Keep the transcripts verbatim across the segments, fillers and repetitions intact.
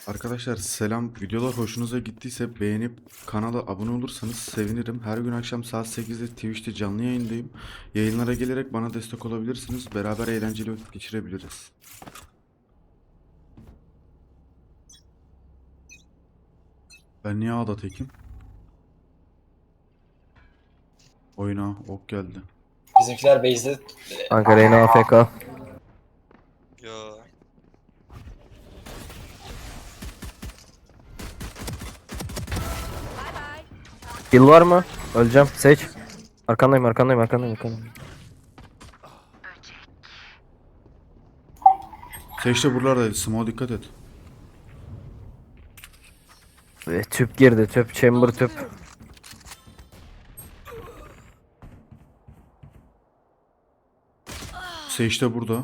Arkadaşlar selam. Videolar hoşunuza gittiyse beğenip kanala abone olursanız sevinirim. Her gün akşam saat sekizde Twitch'te canlı yayındayım. Yayınlara gelerek bana destek olabilirsiniz. Beraber eğlenceli vakit geçirebiliriz. Ben niye A'da tekim? Oyuna ok geldi. Bizimkiler base'de Ankara yine A F K. Yo. Kill var mı? Öleceğim. Seç. Arkandayım, arkandayım, arkandayım, arkandayım. Seçte buralardaydı. Small dikkat et. Ve tüp girdi, tüp, chamber tüp. Seçte burada.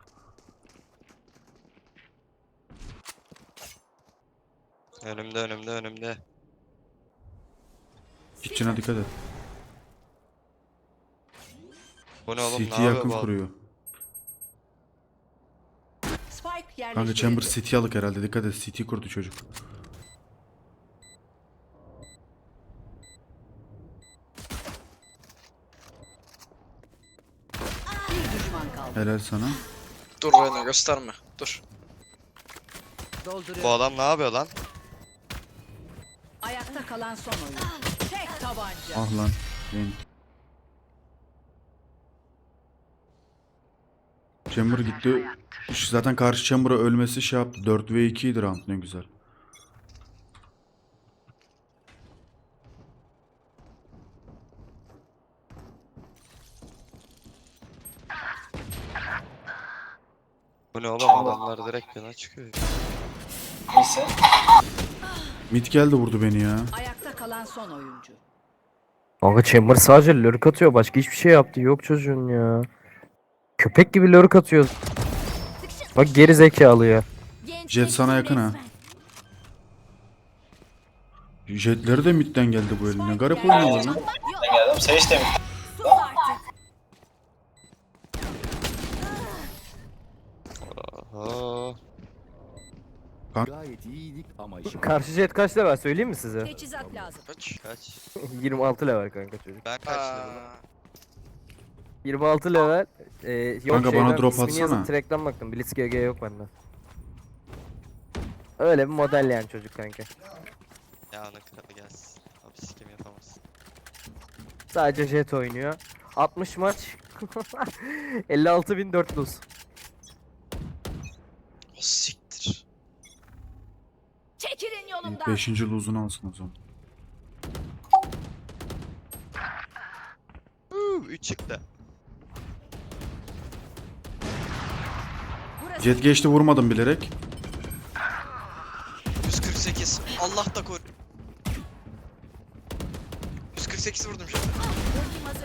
Önümde önümde önümde. Kitchen'a dikkat et. Bu ne oğlum, City ne yakın yapıyor bu? kuruyor. Spike Kanka yerleştirildi. Chamber City alık herhalde. Dikkat et. City kurdu çocuk. Bir düşman kaldı. Helal sana. Dur Reyna gösterme. Dur. Dolduruyor. Bu adam ne yapıyor lan? Ayakta kalan son oyun. Tek tabanca. Ah lan. Benim. Chamber gitti. Şu Zaten karşı Chamber'a ölmesi şey yaptı. dört ve iki idi round, ne güzel. Bu ne oğlum, adamlar direkt yana çıkıyor. neyse. Mid geldi vurdu beni ya. Ayakta kalan son oyuncu. Kanka chamber sadece lurk atıyor. Başka hiçbir şey yaptı. Yok çocuğun ya. Köpek gibi lurk atıyor. Bak geri zekalı ya. Jet sana yakın ha. Jetleri de midden geldi bu eline. Garip oynuyorlar lan. Ben geldim. Sage de mi? Aha. Gayet iyiydik ama işim. Karşı jet kaç level söyleyeyim mi size? Teçhizat lazım. Kaç? Kaç? yirmi altı level kanka çocuk. Ben kaç dedim? Aa, yirmi altı level. Ee, yok Kanka bana şeyden, drop ismini atsana. yazıp track'ten baktım. Blitz G G yok bende. Öyle bir model yani çocuk kanka. Ya ana kralı gelsin. Abi sikim yapamaz. Sadece jet oynuyor. altmış maç. elli altı bin dört yüz. o siktir. Çekilin yolumdan. Beşinci lose'unu alsın o zaman. üç çıktı. Burası Jet geçti, vurmadım bilerek. yüz kırk sekiz. Allah da koru. yüz kırk sekiz vurdum şimdi. ultim hazır.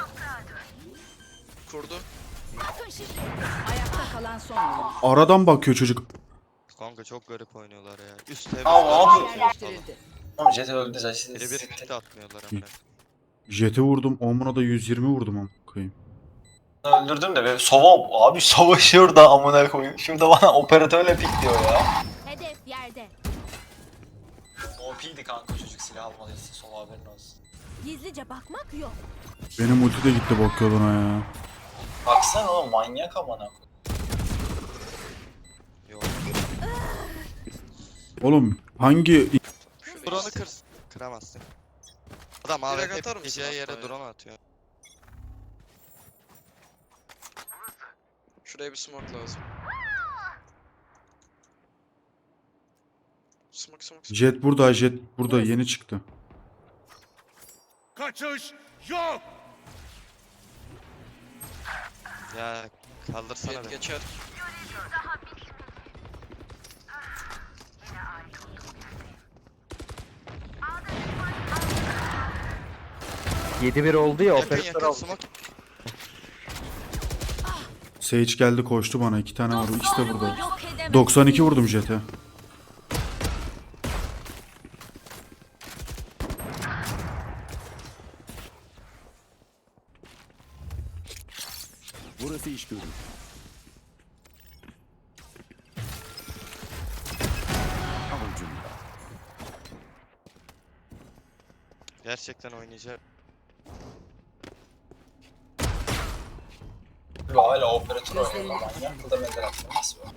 Kurdu. Bakın şimdi. Ayakta kalan son oyuncu. Aradan bakıyor çocuk. Kanka çok garip oynuyorlar ya. Üst temiz. Aa, abi. Yerleştirildi. Tamam Jet öldü zaten. Biri bir hit atmıyorlar amına. Jet'e vurdum. Omuna da yüz yirmi vurdum amına koyayım. Öldürdüm de be. Sova abi savaşıyor da amına koyayım. Şimdi bana operatörle pik diyor ya. Hedef yerde. O P'di kanka çocuk, silah almalıysa Sova, haberin olsun. Gizlice bakmak yok. Benim ulti de gitti bok yoluna ya. Baksana oğlum, manyak amına koyayım. Yok. Oğlum hangi... Drone'u kır. Kıramazsın. Adam A W Direkt atar P mısın gideceği hatta yere ya? drone atıyor. Şuraya bir smoke lazım. Smoke smoke smoke. Jet burada, Jet burada yeni çıktı. Kaçış yok. Ya kaldırsana Jet beni. geçer. yedi bir oldu ya Yakın operatör yakın aldı. smoke. Sage geldi koştu bana. iki tane var. İkisi de burada. Yok edemem. doksan iki vurdum Jet'e. Burası iş görür. Gerçekten oynayacak. Hala operatör oynuyor lan ya. Bu da benden atıyor. Nasıl bu?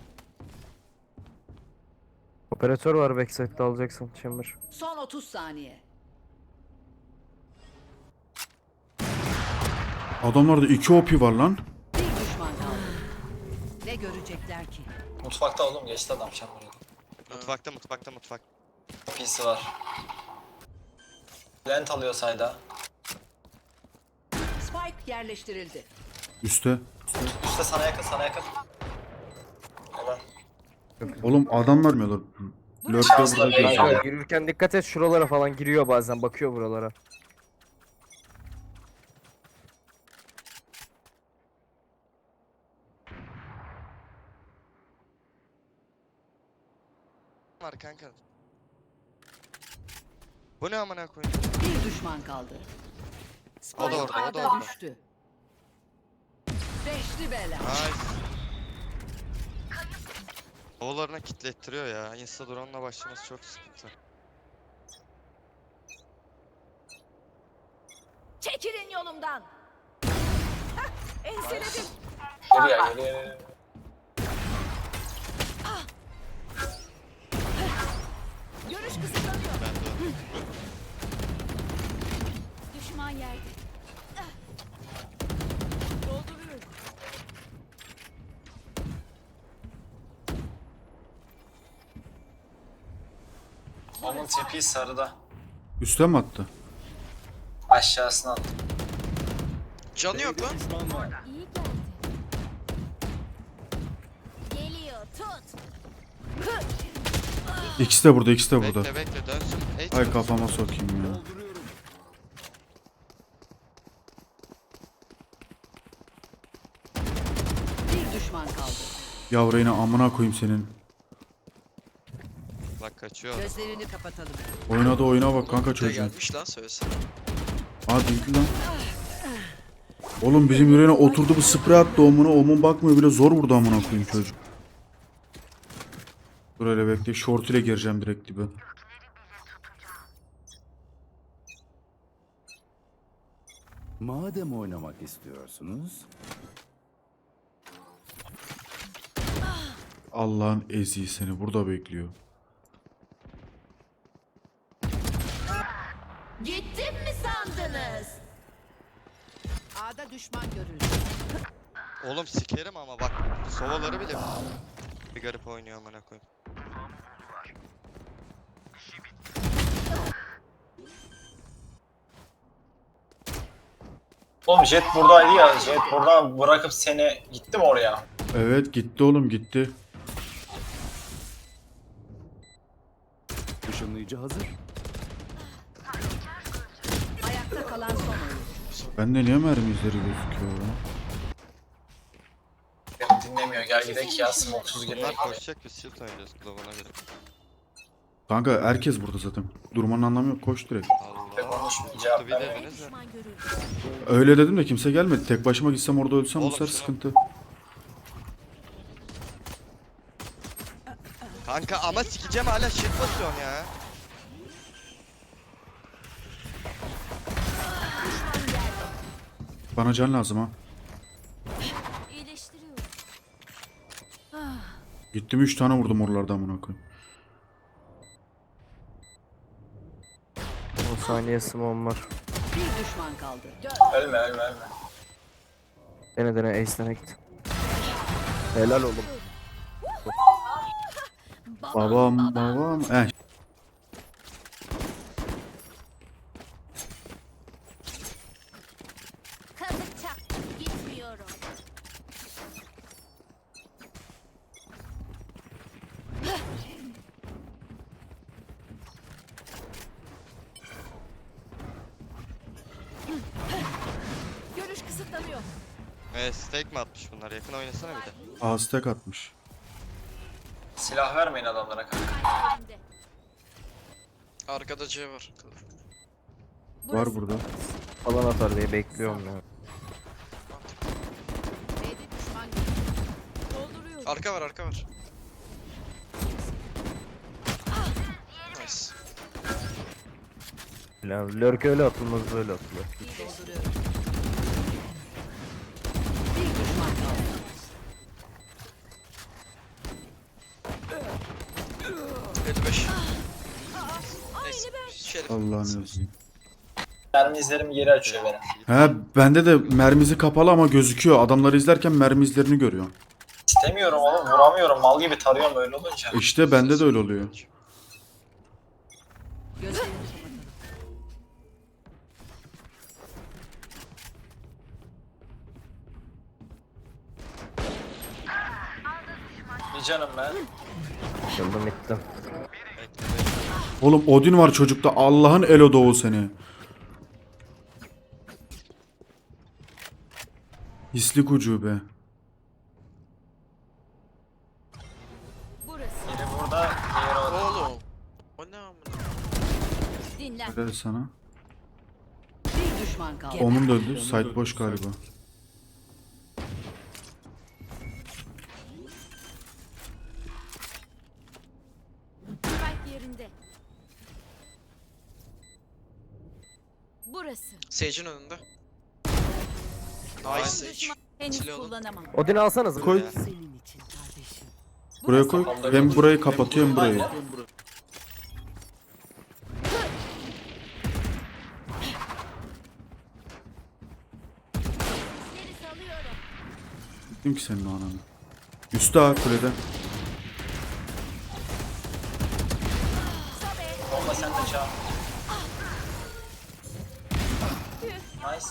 Operatör var backside'de alacaksın Chamber. Son otuz saniye. Adamlarda iki O P var lan. Bir düşman kaldı. Ne görecekler ki? Mutfakta oğlum geçti adam çamurda. Mutfakta mutfakta mutfak. P C var. Lent alıyor sayda. Spike yerleştirildi. Üste. Üstte sana yakın sana yakın. Helal. Oğlum adam vermiyorlar. Lurk da burada Kanka, geziyor. Kanka yürürken dikkat et, şuralara falan giriyor bazen, bakıyor buralara. Var kanka. Bu ne amına koyayım? Bir düşman kaldı. Spike O da orada, o da A'da orada. düştü. Beşli bela. Ay. Oğullarına kitlettiriyor ya. Insta drone'la başlaması çok sıkıntı. Çekilin yolumdan. Hah, enseledim. Geliyor geliyor. Görüş kısıtlanıyor. Ben de öyle. Düşman yerde. Dolduruyorum. Onun tipi sarıda. Üste mi attı? Aşağısına attı. Canı yok lan. Düşman var. İyi geldi. Geliyor tut. İkisi de burada, ikisi de burada. Bekle bekle dönsün. Ey, Ay kafama sokayım ya. Dolduruyorum. Bir düşman kaldı. Yavru yine amına koyayım senin. Bak kaçıyor. Gözlerini kapatalım. Oynadı oyuna bak kanka Buraya çocuğun. gelmiş lan söylesene. Aa değil lan. Oğlum bizim yüreğine oturdu bu sprey attı omuna. Omun bakmıyor bile, zor vurdu amına koyayım çocuk. Dur hele bekle, short ile gireceğim direkt dibe. Madem oynamak istiyorsunuz, Allah'ın eziği seni burada bekliyor. Gittim mi sandınız? A'da düşman görüldü. Oğlum sikerim ama bak. Sovaları bile bir garip oynuyor amına koyayım. Oğlum Jet buradaydı ya. Jet buradan bırakıp seni gitti mi oraya? Evet gitti oğlum gitti. ışınlayıcı hazır. Ayakta kalan son oyuncu. Bende niye mermi izleri gözüküyor ya? Beni dinlemiyor. Gel gidelim ya. Smoksuz girelim. Bunlar koşacak biz shield oynayacağız Glove'una göre. Kanka herkes burada zaten. Durmanın anlamı yok, koş direkt. Ve Allah. konuşmayın, cevap Kutu bir vermeyin. dediniz de. Düşman görüldü. Öyle dedim de kimse gelmedi. Tek başıma gitsem orada ölsem bu Oğlum sefer şuna- sıkıntı. Kanka ama sikeceğim hala shield basıyorsun ya. Bana can lazım ha. İyileştiriyorum. Gittim üç tane vurdum oralarda amına koyayım. on saniye smom var. Bir düşman kaldı. Dön. Ölme ölme ölme. Dene dene ace'den git. Helal oğlum. Babam babam. Eh. Kazık çaktım. Gitmiyorum. Görüş kısıtlanıyor. Eee stake mi atmış bunlar? Yakın oynasana bir de. Aztek atmış. Silah vermeyin adamlara kanka. Elimde. Arkada C var. Var burada. Falan atar diye bekliyorum ya. B'de düşman görüldü. Dolduruyorum. Arka var arka var. Nice. Yani lurk öyle atılmaz böyle atılır. Dolduruyorum. Bir düşman kaldı. elli beş. Neyse. Şerif. Allah'ın özü. Mermi izlerim geri açıyor benim. He bende de mermisi kapalı ama gözüküyor. Adamları izlerken mermi izlerini görüyorum. İstemiyorum oğlum, vuramıyorum. Mal gibi tarıyorum öyle olunca. İşte bende de öyle oluyor. Gözlerini kapatın. Bir canım ben. Yıldım ettim. Oğlum Odin var çocukta. Allah'ın elo doğu seni. Hislik ucube. Burası. Biri burada, diğeri orada. Oğlum. O ne amına? Dinlen. Helal sana. Bir düşman kaldı. Onun da öldü. Site boş galiba. Spike yerinde. Burası. Sage'in önünde. Nice Sage. Henüz Silah alın. kullanamam. Odin alsanız. Koy. Senin için kardeşim. Buraya koy. Hem burayı kapatıyor hem burayı. Seni salıyorum. Gittim ki senin o ananı. Üstte ha kulede. Bomba sen de çağır. Nice.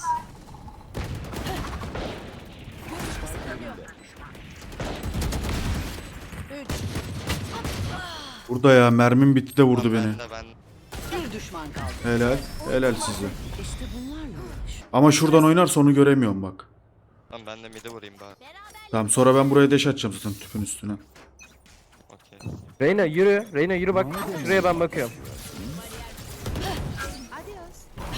Üç. Burada ya mermim bitti de vurdu beni. Ben de ben. Bir düşman kaldı. Helal. Helal size. İşte bunlarla uğraş. Ama şuradan oynarsa onu göremiyorum bak. Tamam ben de mid'e vurayım bari. Tamam sonra ben buraya deş atacağım zaten tüpün üstüne. Okey. Reyna yürü. Reyna yürü bak. Şuraya ben bakıyorum. Adios.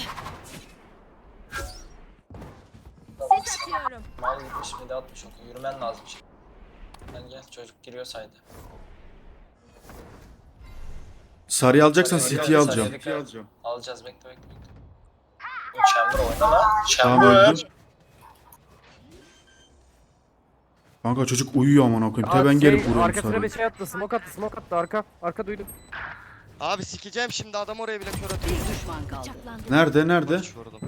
Tamam. Sis atıyorum. Mal gitmiş bir de atmış oku. Yürümen lazım şimdi. Gel gel çocuk giriyor saydı. Sarıyı alacaksan Sarıyı City'yi alacağız, alacağım. sarıyı alacağım. Alacağız bekle bekle bekle. Bu Chamber oyna lan. Tamam Chamber. öldüm. Kanka çocuk uyuyor aman okuyayım. Te Aa, ben şey, gelip vuruyorum arkasına bir sarıyı. şey attı. Smoke attı. Smoke attı. Arka. Arka duydum. Abi sikeceğim şimdi adam oraya bile kör atıyor. Bir düşman kaldı. Bıçaklandım. Nerede nerede? Maç vurdum.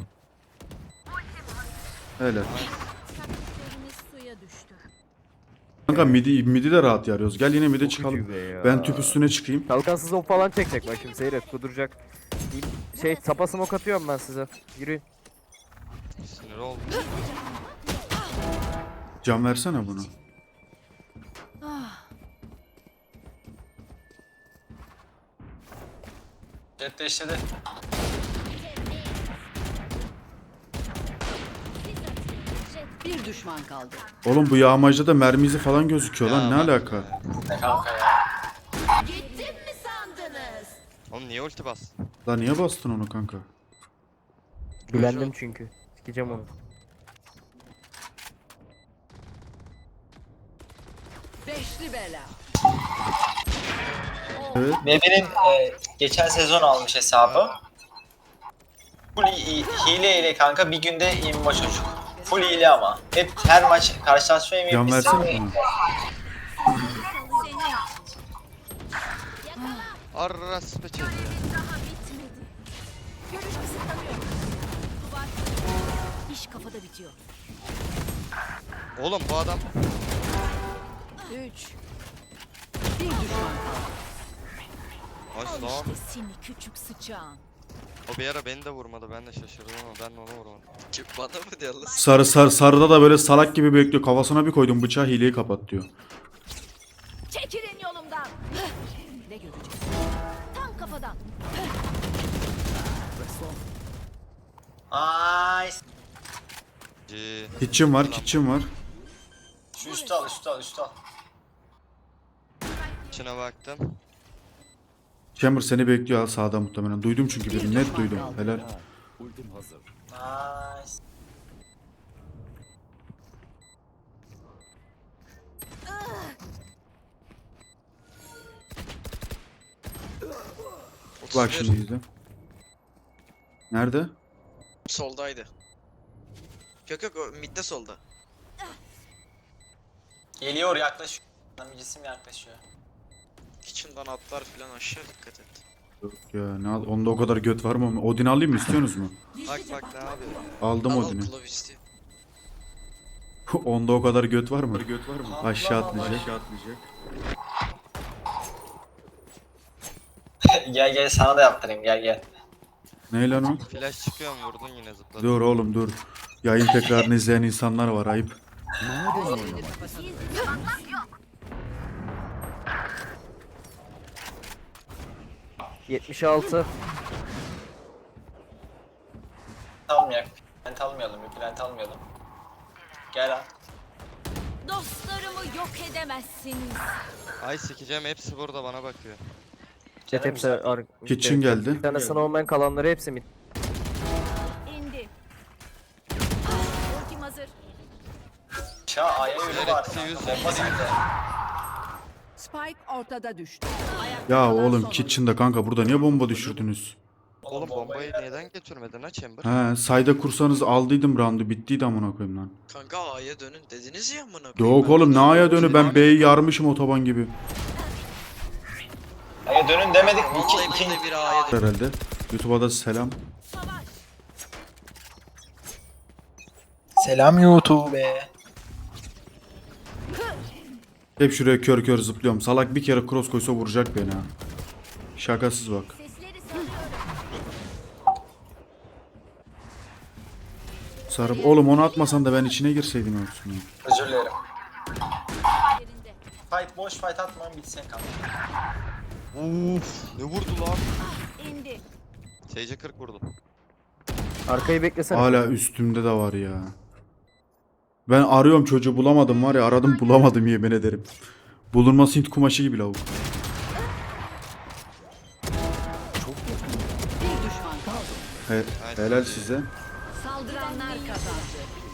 Helal. Taktiklerimiz suya düştü. Kanka midi, midi de rahat yarıyoruz. Gel yine midi çıkalım. ucube ya. Ben tüp üstüne çıkayım. Kalkansız o falan çekecek bak şimdi seyret kuduracak. Şey tapa smoke atıyorum ben size. Yürü. Sinir oldum. Can versene bunu. Jet değiştirdi. Bir düşman kaldı. Oğlum bu yağmacda da mermi izi falan gözüküyor lan. Ne Ya, alaka? Ne kanka ya. Gittim mi sandınız? Oğlum niye ulti bastın? Lan niye bastın onu kanka? Gülendim çünkü. Sikeceğim onu. Beşli bela. Evet. Bebe'nin e, geçen sezon almış hesabı. Full hi- hile ile kanka bir günde yirmi maç çocuk. Full hile ama. Hep her maç karşılaşma Can yemeği versene bana. Seni. Yakala. Arras peçete. Daha bitmedi. Görüş kısıtlanıyor. Duvar. İş kafada bitiyor. Oğlum bu adam Üç. Bir düşman kaldı. Nice Al lan. işte seni küçük sıçağın. O bir ara beni de vurmadı. Ben de şaşırdım ama ben de onu vurmadım. Kim bana mı diyor lan? Sarı sarı sarıda da böyle salak gibi bekliyor. Kafasına bir koydum bıçağı hileyi kapat diyor. Çekilin yolumdan. Ne görecek? Tam kafadan. Nice. C. Kitchen var, kitchen var. Şu üstü al üstü al üstü al. İçine baktım. Chamber seni bekliyor ha sağda muhtemelen. Duydum çünkü birini. Net duydum. Helal. Ultim hazır. Nice. Bak şimdi izle. Nerede? Soldaydı. Yok yok o midde solda. Geliyor, yaklaşıyor. Bir cisim yaklaşıyor. Kitchen'dan atlar falan aşağı dikkat et. Yok ya ne al? Onda o kadar göt var mı? Odin alayım mı? İstiyorsunuz mu? Bak bak ne yapıyor? Aldım Al al Odin'i. kulağı istiyor. Onda o kadar göt var mı? Göt var mı? Allah Aşağı Allah. atlayacak. Aşağı atlayacak. Gel gel, sana da yaptırayım, gel gel. Ne lan o? Flash çıkıyor mu vurdun yine zıpladın. Dur oğlum dur. Yayın tekrarını izleyen insanlar var, ayıp. Madem oynamak yetmiş altı. Almayak. Plant almayalım, bir plant almayalım. Gel lan. Dostlarımı yok edemezsiniz. Ay sikeceğim hepsi burada bana bakıyor. Jet hepsi güzel. ar- Kitchen geldi. Bir tane sana olmayan kalanları hepsi mid. İndi. Ultim hazır. Şa A'ya yürü var. hepsi yüz. Bomba sende. Spike ortada düştü. Ya oğlum Kitchen'da kanka burada niye bomba düşürdünüz? Oğlum bombayı neden götürmedin ha Chamber? He, sayda kursanız aldıydım roundu, bittiydi amına koyayım lan. Kanka A'ya dönün dediniz ya amına koyayım. Yok Ben oğlum ne de- aya dönü, ben B'yi yarmışım otoban gibi. A'ya dönün demedik mi? Vallahi İki, biz iki, de bir A'ya dön. Herhalde. YouTube'a da selam. Savaş. Selam YouTube. Hep şuraya kör kör zıplıyorum. Salak bir kere cross koysa vuracak beni ha. Şakasız bak. Sesleri salıyorum. Sarıp oğlum onu atmasan da ben içine girseydim olsun ya. Özür dilerim. Yerinde. Fight boş, fight atmayın, bitsin kanka. Uf ne vurdu lan? İndi. Sage'e kırk vurdum. Arkayı beklesene. Hala üstümde de var ya. Ben arıyorum çocuğu, bulamadım var ya, aradım bulamadım yemin ederim. Bulunması Hint kumaşı gibi lavuk. Bir düşman kaldı. He, helal size. Saldıranlar kazandı.